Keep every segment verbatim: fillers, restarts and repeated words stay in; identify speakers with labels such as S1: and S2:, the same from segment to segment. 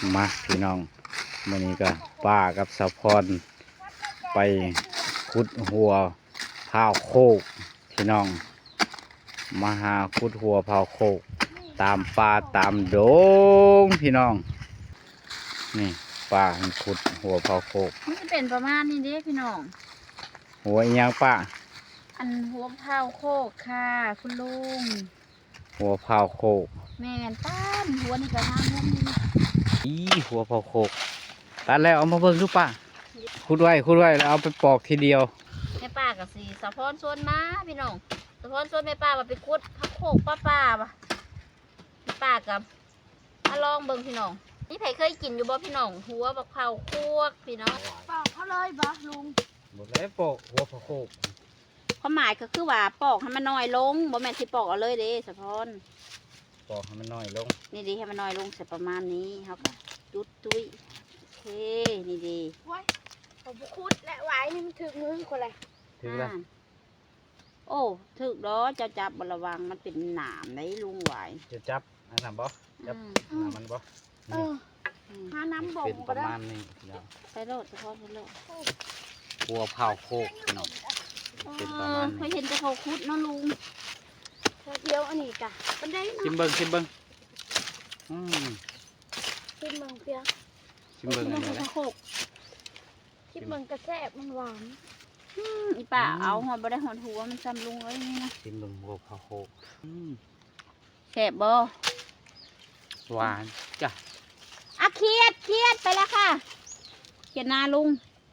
S1: มาพี่น้องมื้อนี้ก็ป้ากับสะพรไปขุดหัวพาวโคกพี่น้องมาหาขุดหัวพาวโคกตามป่าตามดงพี่น้องนี่ป้าขุดหัวพาวโคก
S2: มันจะเป็นประมาณนี้เด้พี่น้อง
S1: หัวอีหยังป้า
S2: อันหัวพาวโคกค่ะคุณลุง
S1: หัวพาวโคก
S2: แม่นป้านหัวนี่ก็ทำมุมนี้
S1: อีหัวพาวโคกตัดแล้วเอามาเบิ่งดูป้าขุดไว้ขุดไว้แล้วเอาไปปอกทีเดียว
S2: แม่ป้ากับสีสะพอนส่วนมาพี่น้องสะพอนส่วนแม่ป้ามาไปขุดพักโคกป้าป้าปะแม่ป้ากับมาลองเบิ่งพี่น้องนี่ไผเคยกินอยู่บ่พี่น้องหัวบักเผาโคกพี่น้องปอกเขาเลยบ่ลุง
S1: หมดแล้วปอกหัวพาวโคก
S2: ความหมายก็คือว่าปอกให้มันน้อยลงบ่แม่นสิปอกเอาเลยเด้สะพอน
S1: ปอกให้มันน้อยลง
S2: นี่ดีให้มันน้อยลงเสร็จประมาณนี้ครับจุดตุ้ยโอเคนี่ดีว้ายผมคุดและไว้นี่มันถึกมือคนไร
S1: ถึกแล้ว
S2: โอ้ถึกล้อจะจับบระวังมันเป็นหนามได้ลุงไหว
S1: จะจับอันนั้นบ่จับน้ำมันบ่
S2: เออหาน้ำบ่ง
S1: ก็ได้ประมาณนี้
S2: ไปโลดเฉพาะไปโลด
S1: หัวเผาโคกเนาะ
S2: เป็นประมาณนี้เคยเห็นแต่เขาคุดเนาะลุงเดียวอันนี้จ้ะมันได้
S1: ชิมเบิ้งชิมเบิ้งอืม
S2: ชิมเบิ้งเปีย
S1: ชิมเบิ้งอันนี้แหละ
S2: ชิมเบิ้งกระแซบมันหวานอีป่าเอาหอดบ่ได้หอดหัวมันซ้ำลุงไว้นี่นะ
S1: ชิมเบิ้งหัวเผาโคก
S2: แซ่บบ่
S1: หวานจ้ะ
S2: อ่ะเครียดเครียดไปแล้วค่ะเขียนนาลุง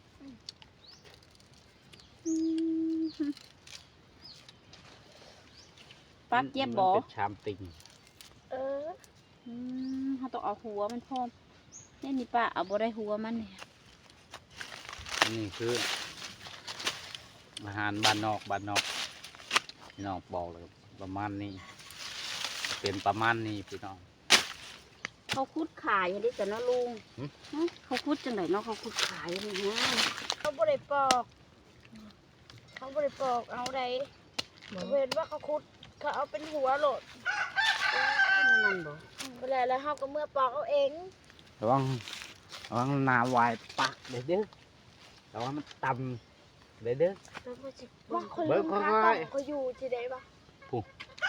S2: ปักเย็บบ่
S1: ชามติ่ง
S2: เออเขาต้องเอาหัวมันพร้อมนี่นี่ป้าเอาบ่ได้หัวมันเนี่ย
S1: นี่คืออาหารบ้านนอกบ้านนอกพี่น้องบอกเลยประมาณนี้เป็นประมาณนี้พี่น้อง
S2: เขาคุดขายอย่างนี้แต่นะลุงเขาคุดจังไหนเนาะเขาคุดขายอย่างนี้เขาบ่ได้ปอกเขาบ่ได้ปอกเอาได้เห็นว่าเขาคุดเขาเอาเป็นหัวโหลดนั่นบ่เวลาแล้วเขาก็เมื่อปอกเอาเอง
S1: ระวังระวังนาวายปักเด้อเด้อระวังมันต่ำเด้อเด้อ
S2: ว่าคนลืมค่าปอกเขาอยู่ที่ไหนบ้าง
S1: ปุ๊บ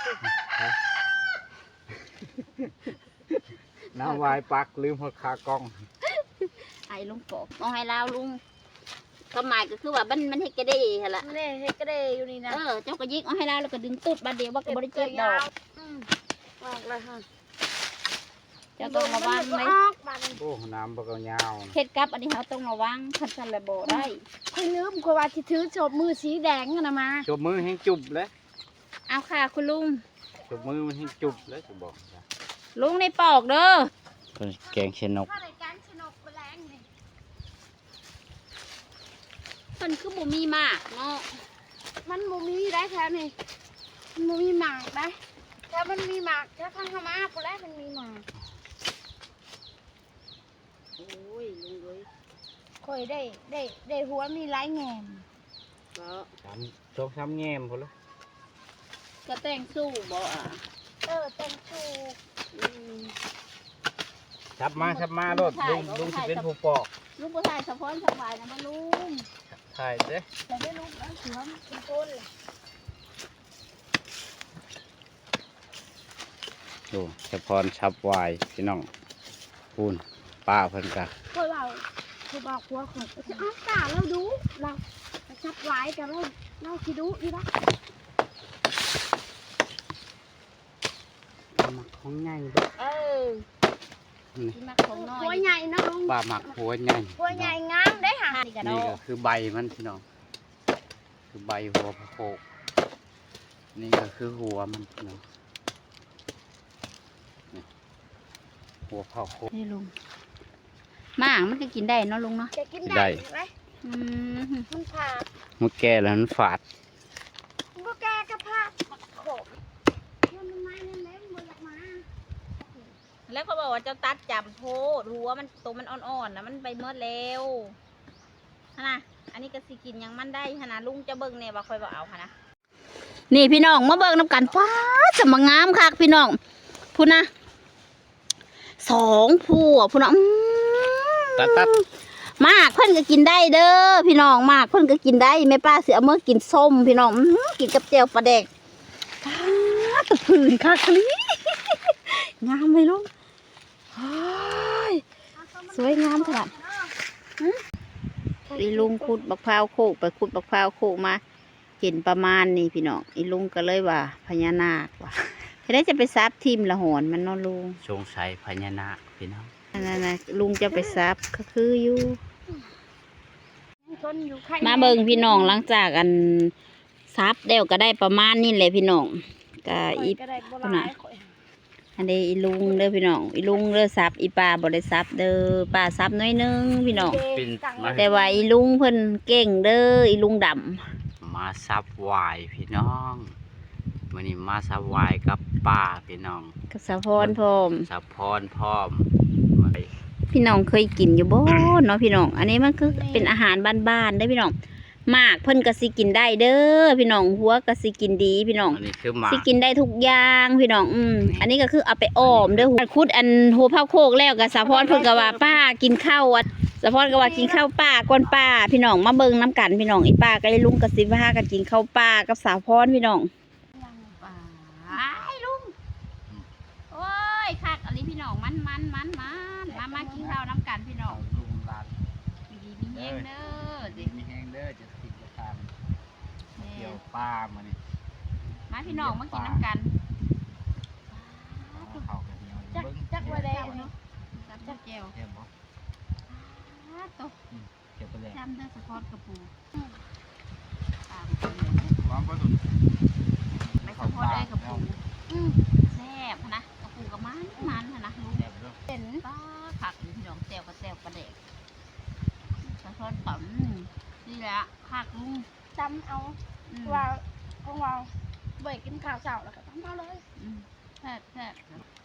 S1: นาวายปักลืมหัวคากล้อง
S2: ไอ้ลุงปอกเอาให้เราลุงก็หมายก็คือว่ามันมันเฮกกระเดย์เหรอนี่เฮกกระเดย์อยู่นี่นะเออเจ้าก็ยิกเอาให้เราแล้วก็ดึงตุดบาดเดียวว่าก็บริเจ็บดอกออกเลยค่ะจะต้องระวังไหม
S1: โอ้น้ำบกยาว
S2: เห็ดกับอันนี้เขาต้องระวังคันสันระโบได้
S3: คุณลืมคุณว่าที่ถือโฉบมือสีแดงนะมา
S1: โฉบมือให้จุบเลย
S2: เอาค่ะคุณลุง
S1: โฉบมือมันให้จุบเลยจะบอก
S2: ลุงในปอกเด้อ
S1: แกงเชนก
S2: มันคือบุมีหมากเนาะ
S3: มันบุมีได้แค่นี้มันบุมีหมากได้ถ้ามันมีหมากถ้าพังธรรมะพอแล้วมันมีหมาก
S2: โอ้ยลุงเลย
S3: คอยได้ได้ได้หัวมีหลายแง่ม
S1: ก็สามสองสามแง่มพอแล้ว
S2: ก็แต่งสู้บ่อ่ะ
S3: เออแต่งสู้
S1: ชับมาชับมาโลดลุงลุงจะเป็นผู้ปอก
S2: ลุงผู้ชายสะพอนสบายนะมาลุง
S1: ถ่ายเด้
S3: แต่ไม่รู้แล้วเสือมันเป็นต้นเลย
S1: ดูสะพอนชับวายพี่น้องปูนป้าเพิ่นกะ
S3: เคยเราเคยบอกว่าของจะอ้าวตาเราดูเราชับไว้แต่เราเราคิดดูดีปะ
S1: หมักของใหญ่ด้วย
S2: เออหมักของน้อย
S3: หัวใหญ่นะลุง
S1: ป้าหมักหัวใหญ่
S3: หัวใหญ่งามได้ค่ะ
S1: นี่ก็คือใบมันพี่น้องคือใบหัวพะโคกนี่ก็คือหัวมันพี่น้องหัวพะโคก
S2: นี่ลุงหมากมันก็กินได้เนาะลุงเนาะ
S3: กินได้ไหม
S2: มันผ่า
S1: มันแก่แล้วมันฝาด
S3: มันก็แก่กระเพาะโขกมันไม้นั่นแหละมันอยากมา
S2: แล้วเขาบอกว่าเจ้าตัดจับโพดหัวมันตัวมันอ่อนๆนะมันไปเมื่อเร็วนะอันนี้ก็สิกินยังมันได้ขนาดลุงจะเบิ่งเนี่ยว่าคอยบอกเอาค่ะนะนี่พี่น้องมาเบิ่งน้ำกันฟ้าจะมางามคักพี่น้องพูดนะสองผู้อ่ะพุ่นน่ะอื้อ
S1: ตัดตัด
S2: มากเพิ่นก็กินได้เด้อพี่น้องมากเพิ่นก็กินได้แม่ป้าสิเอามื่อกินส้มพี่น้องอื้อกินกับแจ่วปลาแดกอ้าตะพื้นคักลีงามเลยลูกโอ้ยสวยงามขนาดอีลุงขุดบักพร้าวโคกไปขุดบักพร้าวโคกมาเห็นประมาณนี้พี่น้องอีลุงก็เลยว่าพญานาคว่ะจะได้จะไปซับทิมละหอนมันเนอนลุง
S1: สงสัยพญานาคพี่น้อง
S2: นั่นน่ะลุงจะไปซับก็คืออยู่
S3: ชนอยู่ใคร
S2: มาเบิ่งพี่น้องหลังจากอันซับเดวก็ได้ประมาณนี้แหละพี่น้องก็อี
S3: ก็ได้บ่
S2: พุ่น
S3: หลา
S2: น่ะ
S3: ยข่อย
S2: อันนี้อีลุงเด้อพี่น้องอีลุงเด้อซับอีป้าบ่ได้ซับเด้อป้าซับน้อยหนึงพี่น้อง
S1: ปินมา
S2: แต่ว่าอีลุงเพิ่นเก่งเด้ออีลุงดำ
S1: มาซับวายพี่น้องวันนี้มาซับวายกับป้าพี่น้อง
S2: กับสะพรพร้อม
S1: ซับพรพร้อม
S2: พี่น้องเคยกินอยู่บ่เนาะพี่น้องอันนี้มันคือเป็นอาหารบ้านๆได้อพี่น้องมากเพิ่นก็สิกินได้เด้อพี่น้องหัวก็สิกินดีพี่น้อง
S1: อันนี้คือหมา
S2: สิกินได้ทุกอย่างพี่น้องอืมอันนี้ก็คือเอาไปอ้อมเด้อหัวคุดอันหัวเผาโคกแล้วก็สะพรเพิ่นก็ว่าป้ากินข้าวอ่ะสะพรก็ว่ากินข้าวป้าก่อนป้าพี่น้องมาเบิ่งน้ำกันพี่น้องอีป้าก็ไอ้ลุงก็สิพากันกินข้าวป้ากับสาวพรพี่น้องป้าไอ้ลุงโอ้ยคักอันนี้พี่น้องมันมันมันมันมามากินข้าวน้ำกันพี่น้อง
S1: ลุงลาน
S2: มีดีมีแห้งเด้อสิ
S1: มีแห้งเด้อจะติดจะทานเกี่ยวป้ามานี่
S2: มาพี่น้องมากินน้ำกัน
S1: เขากันเดียว
S3: จักจักว่าได้เนาะ
S2: จับเจียว
S1: เกี่ยวบ่
S2: ตก
S1: เกี่ยวไปเลย
S2: จำได้สะพอดกระปู
S1: ความประดุน
S2: ไม่สะพอดได้กระปู
S3: อืม
S2: แซ่บนะกระปูกับมันมันนะลุง
S1: แซ่บเด้อ
S3: เห็น
S2: ป้าผักพี่น้องแซ่บก็แซ่บกระเด็กสะพอดต่ำนี่แหละผักลุง
S3: จำเอา
S2: อืม
S3: ว่าของเราเบ่กินข้าวเช้าแล้วก็ต้องเอาเลย
S2: อืมแซ่บแซ่บ